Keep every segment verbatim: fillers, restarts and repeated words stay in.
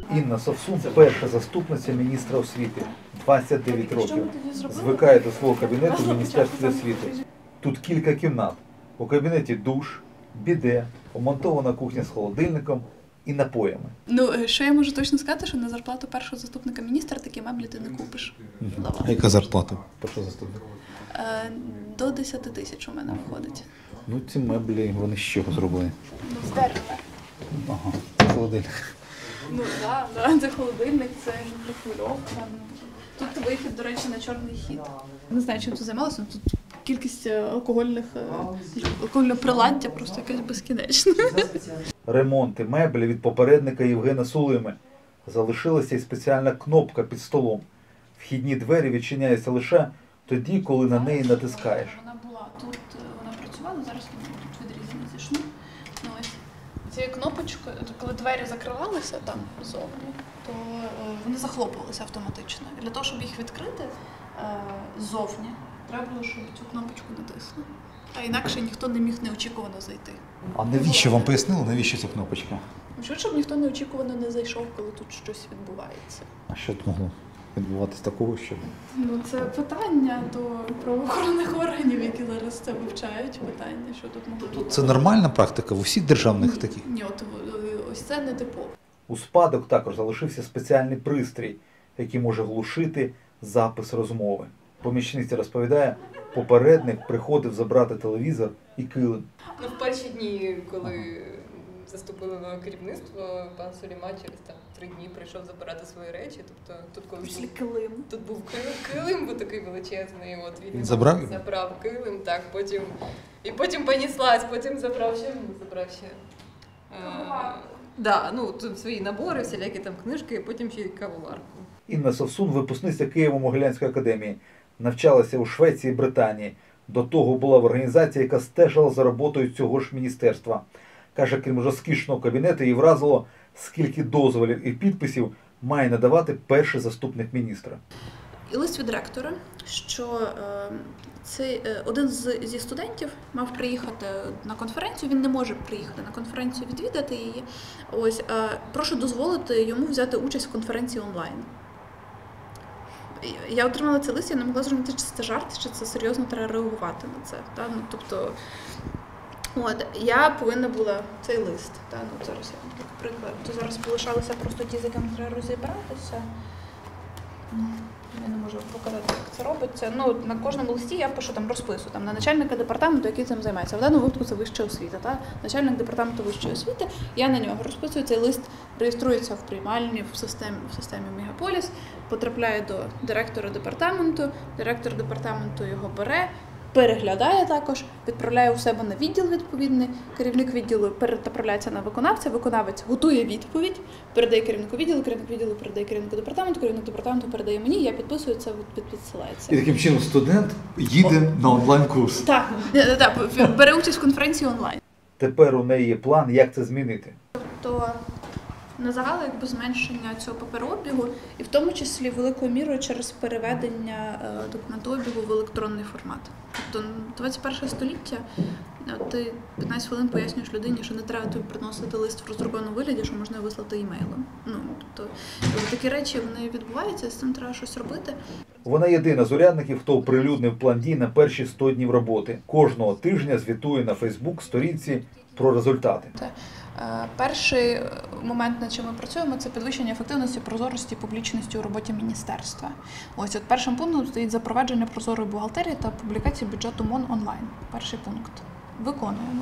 Інна Совсун – перша заступниця міністра освіти, двадцять дев'ять років. Звикає до свого кабінету в Міністерстві освіти. Тут кілька кімнат. У кабінеті душ, біде, помонтована кухня з холодильником і напоями. Ну, що я можу точно сказати, що на зарплату першого заступника міністра такі меблі ти не купиш. Угу. А яка зарплата першого заступника? Е, до десяти тисяч у мене виходить. Ну, ці меблі, вони з чого зроблені? Ну, з дерева. Ага, холодильник. Ну, так, да, да, це холодильник, це мікрохвильовка. Тут вихід, до речі, на чорний хід. Не знаю, чим тут займалося, тут кількість алкогольних, алкогольного приладдя просто якась безкінечна. Ремонти меблі від попередника Євгена Сулими. Залишилася й спеціальна кнопка під столом. Вхідні двері відчиняються лише тоді, коли на неї натискаєш. Вона була тут, вона працювала, зараз вона тут відрізана зі шну. Ну, ось цією кнопочкою, коли двері закривалися там ззовні, то вони захлопувалися автоматично. І для того, щоб їх відкрити ззовні, треба було, щоб цю кнопочку натисли. А інакше ніхто не міг неочікувано зайти. А навіщо вам пояснили, навіщо ця кнопочка? Щоб ніхто неочікувано не зайшов, коли тут щось відбувається. А що тут могло відбуватись такого, що? Ну, це питання до правоохоронних органів, які зараз це вивчають, питання, що тут могло бути. Це нормальна практика в усіх державних таких? Ні, от ось це не типово. У спадок також залишився спеціальний пристрій, який може глушити запис розмови. Помічниця розповідає, попередник приходив забрати телевізор і килим. Ну, в перші дні, коли заступили нове керівництво, пан Суліма через там три дні прийшов забирати свої речі. Тобто тут коли Після килим. Тут був килим, килим був такий величезний. От він, він забрав? Забрав килим, так, потім і потім поніслась, потім забрав ще, забрав ще. А, да, ну тут свої набори, всілякі там книжки, і потім ще й кавоварку. Інна Совсун, випускниця Києво-Могилянської академії, навчалася у Швеції і Британії. До того була в організації, яка стежила за роботою цього ж міністерства. Каже, крім розкішного кабінету, її вразило, скільки дозволів і підписів має надавати перший заступник міністра. І лист від ректора, що е, цей, е, один з, зі студентів мав приїхати на конференцію, він не може приїхати на конференцію, відвідати її. Ось, е, прошу дозволити йому взяти участь в конференції онлайн. Я отримала цей лист, я не могла зрозуміти, чи це жарт, чи це серйозно треба реагувати на це. Та? Ну, тобто, от, я повинна була цей лист. Та? Ну, зараз я вам так приклад. То зараз полишалися просто ті, з якими треба розібратися. Я не можу показати, як це робиться. Ну, на кожному листі я пишу там розпису там, на начальника департаменту, який цим займається. В даному випадку це вища освіта. Та? Начальник департаменту вищої освіти, я на нього розписую. Цей лист реєструється в приймальні в системі, в системі Мегаполіс, потрапляє до директора департаменту, директор департаменту його бере, переглядає також, відправляє у себе на відділ відповідний, керівник відділу перенаправляється на виконавця, виконавець готує відповідь, передає керівнику відділу, керівник відділу передає керівнику департаменту, керівник департаменту передає мені, я підписую, це відсилається. І таким чином студент їде на онлайн-курс. Так, так, бере участь в конференції онлайн. Тепер у неї є план, як це змінити. Тобто, на загал якби зменшення цього паперообігу, і в тому числі великою мірою через переведення документообігу в електронний формат. Тобто двадцять перше століття, ти п'ятнадцять хвилин пояснюєш людині, що не треба тобі приносити лист в роздрукованому вигляді, що можна вислати імейлом. Ну, тобто, такі речі вони відбуваються, з цим треба щось робити. Вона єдина з урядників, хто оприлюднив план дій на перші сто днів роботи. Кожного тижня звітує на Фейсбук-сторінці про результати. Перший момент, над чим ми працюємо, це підвищення ефективності, прозорості і публічності у роботі міністерства. Ось от першим пунктом стоїть запровадження прозорої бухгалтерії та публікації бюджету МОН онлайн. Перший пункт. Виконуємо.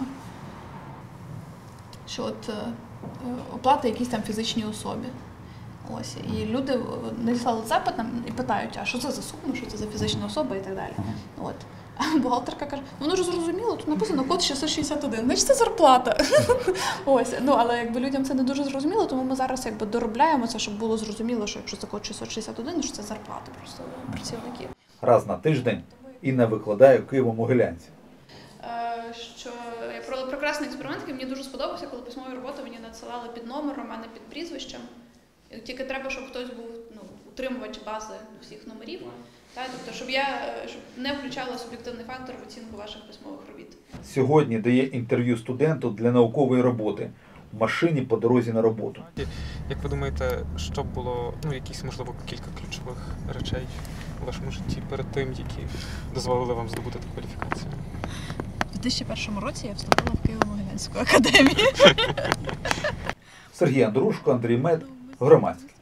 Що от оплати якісь там фізичній особі. Ось, і люди надіслали запит і питають, а що це за сума, що це за фізична особа і так далі. От. А бухгалтерка каже, ну ж зрозуміло, тут написано код шістсот шістдесят один, значить це зарплата. Ось, ну, але якби людям це не дуже зрозуміло, тому ми зараз якби доробляємо це, щоб було зрозуміло, що якщо це код шістсот шістдесят один, що це зарплата просто працівників. Раз на тиждень Інна викладає в Києво-Могилянці. Що я провела прекрасний експеримент, який мені дуже сподобався, коли письмові роботи мені надсилали під номером, а не під прізвищем. Тільки треба, щоб хтось був ну, утримувач бази всіх номерів. Так, тобто, щоб я щоб не включала суб'єктивний фактор в оцінку ваших письмових робіт. Сьогодні дає інтерв'ю студенту для наукової роботи. машині по дорозі на роботу. Як ви думаєте, що було, ну, якісь, можливо, кілька ключових речей у вашому житті перед тим, які дозволили вам здобути таку кваліфікацію? У дві тисячі першому році я вступила в Києво-Могилянську академію. Сергій Андрушко, Андрій Мед, Громадське.